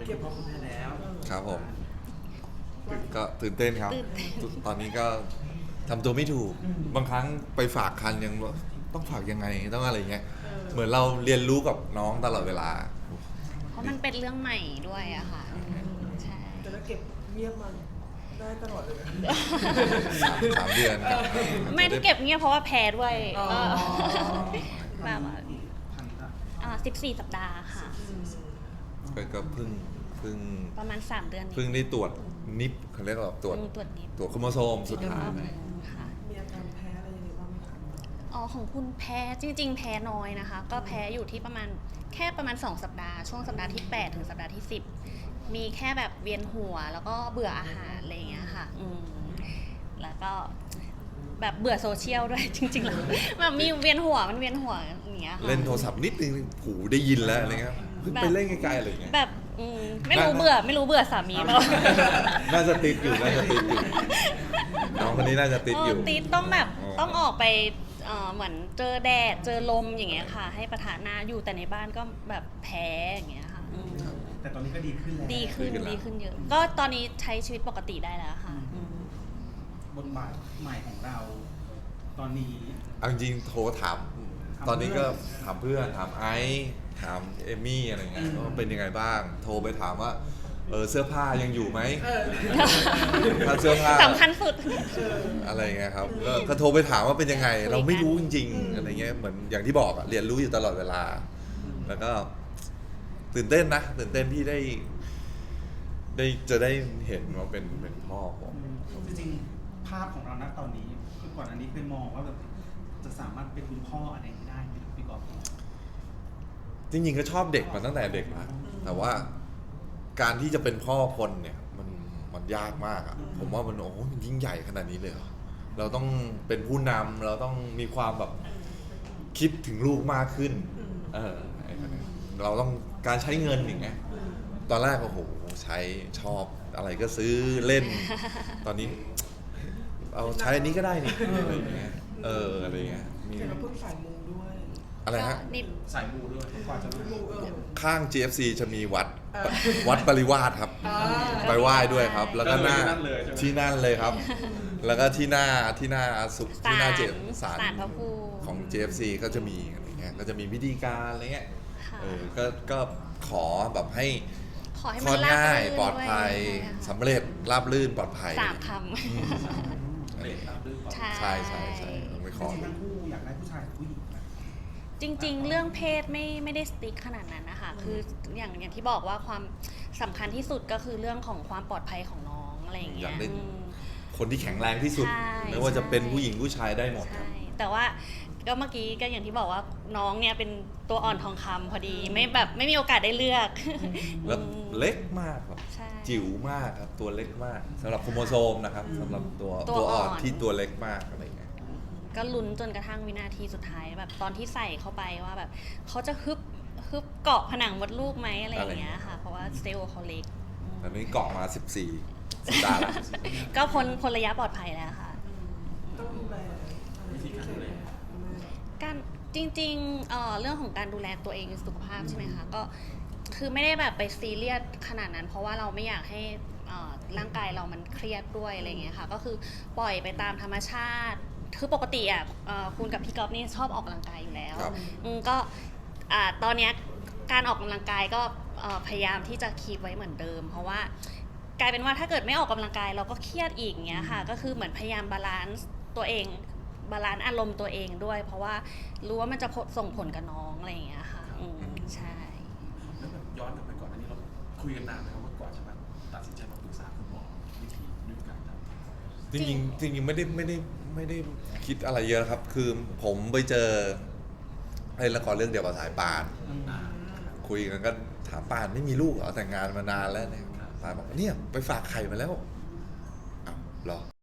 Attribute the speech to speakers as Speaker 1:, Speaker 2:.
Speaker 1: เก็บพอคุณแม่แล้ว
Speaker 2: ครับผมก็ตื่นเต้นครับ ตอนนี้ก็ทำตัวไม่ถูกบางครั้งไปฝากคันยังต้องฝากยังไงต้องอะไรเงี้ยเหมือนเราเรียนรู้กับน้องตลอดเวลา
Speaker 3: เพราะมันเป็นเรื่องใหม่ด้วยอะค่ะใช่
Speaker 1: แต่ถ้าเก็บเงียบมันได้ตลอดเลย
Speaker 2: 3 เดือนครับ
Speaker 3: ไม่ได้เก็บเงียบเพราะว่าแพ้ด้วย
Speaker 1: อ๋อ
Speaker 3: แบบว่า14 สัปดาห์ค่ะ
Speaker 2: ก็เพิ่ง
Speaker 3: ประมาณ 3 เดือนนี้
Speaker 2: เพิ่งได้ตรวจนิปเขาเรียกว่าตรวจ
Speaker 3: ตรวจนิด
Speaker 2: ตรวจโครโมโซมสุดท้าย
Speaker 3: ค่ะ
Speaker 1: มีอาการแพ้อะไรยังไงบ้างไหมคะ
Speaker 3: อ๋อของคุณแพ้จริง ๆ แพ้น้อยนะคะ ก็แพ้อยู่ที่ประมาณ2 สัปดาห์ช่วงสัปดาห์ที่ 8 ถึงสัปดาห์ที่ 10 มีแค่แบบเวียนหัวแล้วก็เบื่ออาหารอะไรอย่างเงี้ยค่ะแล้วก็แบบเบื่อโซเชียลด้วย จริงๆแล้วแบบมีเวียนหัวมันเวียนหัวอย่างเงี้ยค่ะ
Speaker 2: เล่นโทรศัพท์นิดนึงหูได้ยินแล้วอะไรเงี้ยเพิ่งไปเล่นไกลๆอะไรเงี้ย
Speaker 3: แบบไม่รู้เบื่อสามีเปล่า
Speaker 2: น่าจะติดอยู่น้องคนนี้น่าจะติดอยู่
Speaker 3: ติดต้องแบบต้องออกไปเหมือนเจอแดดเจอลมอย่างเงี้ยค่ะ ให้ประทานหน้าอยู่แต่ในบ้านก็แบบแพ้อย่างเงี้ยค่ะ
Speaker 4: แต่ตอนนี้ก็ดีขึ้นแล้ว
Speaker 3: ดีขึ้นเยอะ ก็ตอนนี้ใช้ชีวิตปกติได้แล้วค่ะ
Speaker 4: บทบาทใหม่ของเรา ตอนนี้
Speaker 2: เอาจริงๆโทรถามตอนนี้ก็ถามเพื่อนถามไอซ์ถามเอมี่อะไรเงี้ยว่าเป็นยังไงบ้าง โทรไปถามว่าเสื้อผ้ายังอยู่ไหมถ้าเสื้อผ้า
Speaker 3: สำคัญสุด
Speaker 2: อะไรเงี้ยครับก็โทรไปถามว่าเป็นยังไง เราไม่รู้จริงๆอะไรเงี้ยเหมือนอย่างที่บอกอะเรียนรู้อยู่ตลอดเวลา แล้วก็ตื่นเต้นนะตื่นเต้นที่จะได้เห็นว่าเป็นพ่อผม
Speaker 4: จริงๆภาพของเราณตอนนี้คือก่อนอันนี้เคยมองว่าแบบจะสามารถเป็นคุณพ่ออะไรอย่างนี้ได้ไหมครับพี่กอล์ฟ
Speaker 2: จริงๆก็ชอบเด็กมาตั้งแต่เด็กนะแต่ว่าการที่จะเป็นพ่อคนเนี่ยมันยากมากอะผมว่ามันมันยิ่งใหญ่ขนาดนี้เลยเหรอเราต้องเป็นผู้นำเราต้องมีความแบบคิดถึงลูกมากขึ้นเราต้องการใช้เงินอย่างเงี้ยตอนแรกใช้ชอบอะไรก็ซื้อเล่น ตอนนี้เอาใช้อันนี้ก็ได้นี่อะไรอย่างเงี้ยอะไรอย่างเงี้ยมี
Speaker 1: เห็นว่าเพิ่งสายมูด้วย
Speaker 2: อะไรฮะ
Speaker 4: สายมูด้วยกว่าจะมา
Speaker 1: มู
Speaker 2: ข้าง GFC จะมีวัดปริวาสครับ ไปไหว้ด้วยครับ แล้วก็หน้าที่นั่นเลยครับ แล้วก็ที่หน้าเจมศาล
Speaker 3: พระภูมิ
Speaker 2: ของ JFC ก็จะมีอะไรเงี้ยก็จะมีพิธีการอะไรเงี้ย
Speaker 3: ค่ะ
Speaker 2: ก็ขอแบบให้
Speaker 3: ขอให้
Speaker 2: คล
Speaker 3: มั
Speaker 2: อน ด
Speaker 3: ราบ
Speaker 2: ง่าย
Speaker 3: รื่น
Speaker 2: ปลอดภัย
Speaker 3: ด้วย
Speaker 2: สำเร็จราบรื่นปลอดภัย
Speaker 3: 3 คำ
Speaker 4: เด็กตามด้วยก่อน
Speaker 3: ใช่
Speaker 2: ใช่ต้องไป
Speaker 4: จ
Speaker 2: ขอ
Speaker 4: ริงๆทั้งคู่อยากได้ผู้ชายหรือผู้หญิงนะ
Speaker 3: จริงๆ เรื่องเพศไม่ได้สติ๊กขนาดนั้นนะคะ คืออย่างที่บอกว่าความสำคัญที่สุดก็คือเรื่องของความปลอดภัยของน้องอะไรอย่างเงี้
Speaker 2: อยากได้
Speaker 3: อืม
Speaker 2: คนที่แข็งแรงที่สุด
Speaker 3: ใช่
Speaker 2: ไม่ว่าจะเป็นผู้หญิงผู้ชายได้หมดค
Speaker 3: ใช่
Speaker 2: รับ
Speaker 3: แต่ว่าก็เมื่อกี้ก็อย่างที่บอกว่าน้องเนี่ยเป็นตัวอ่อนทองคำพอดีไม่มีโอกาสได้เลือก
Speaker 2: แล้วเล็กมากครับ
Speaker 3: ใช่
Speaker 2: จิ๋วมากครับตัวเล็กมากสำหรับโครโมโซมนะครับสำหรับตัว
Speaker 3: ตัวอ่
Speaker 2: อ่
Speaker 3: อ
Speaker 2: อน นที่ตัวเล็กมากอะไรเงี้ย
Speaker 3: ก็ลุ้นจนกระทั่งวินาทีสุดท้ายแบบตอนที่ใส่เข้าไปว่าแบบเขาจะฮึบเกาะผนังมดลูกไหมอะไรอย่างเงี้ยค่ะ เพราะว่าเซลล์เขาเล็ก
Speaker 2: ตอนนี้เกาะมา14 สัปดาห์แล้ว
Speaker 3: ก็พ้นระยะปลอดภัยแล้วค่ะ
Speaker 1: ต้องดูแลวิธีการดูแล
Speaker 3: การจริงๆเรื่องของการดูแลตัวเองสุขภาพใช่ไหมคะก็คือไม่ได้แบบไปซีเรียสขนาดนั้น เพราะว่าเราไม่อยากให้ร่างกายเรามันเครียดด้วยอะไรเงี้ยค่ะก็คือปล่อยไปตามธรรมชาติคือปกติคุณกับพี่ก๊อฟนี่ชอบออกกำลังกายอยู่แล้ว
Speaker 2: ครับ
Speaker 3: ก็ตอนเนี้ยการออกกำลังกายก็พยายามที่จะคีปไว้เหมือนเดิม เพราะว่ากลายเป็นว่าถ้าเกิดไม่ออกกำลังกายเราก็เครียดอีกเงี้ยค่ะก็คือเหมือนพยายามบาลานซ์ตัวเองบาลานซ์อารมณ์ตัวเองด้วย เพราะว่ารู้ว่ามันจะส่งผลกับน้องอะไรอย่างเงี้ยค่ะใช่
Speaker 5: แล้วแบบย้อนกลับไปก่อนอันนี้เราคุยกันนานไหมครับว่ากว่าจะมาตัดสินใจมาปรึกษาคุณหมอวิธีด้วยการทำ
Speaker 2: จริงๆไม่ได้คิดอะไรเยอะครับ คือผมไปเจอเล่นละครเรื่องเดียวกับสายป่านคุยกันก็ถามป่านไม่มีลูกเหรอแต่งงานมานานแล้วเนี่ยป่านบอกเนี่ยไปฝากไข่มาแล้วอ้าวเหรอ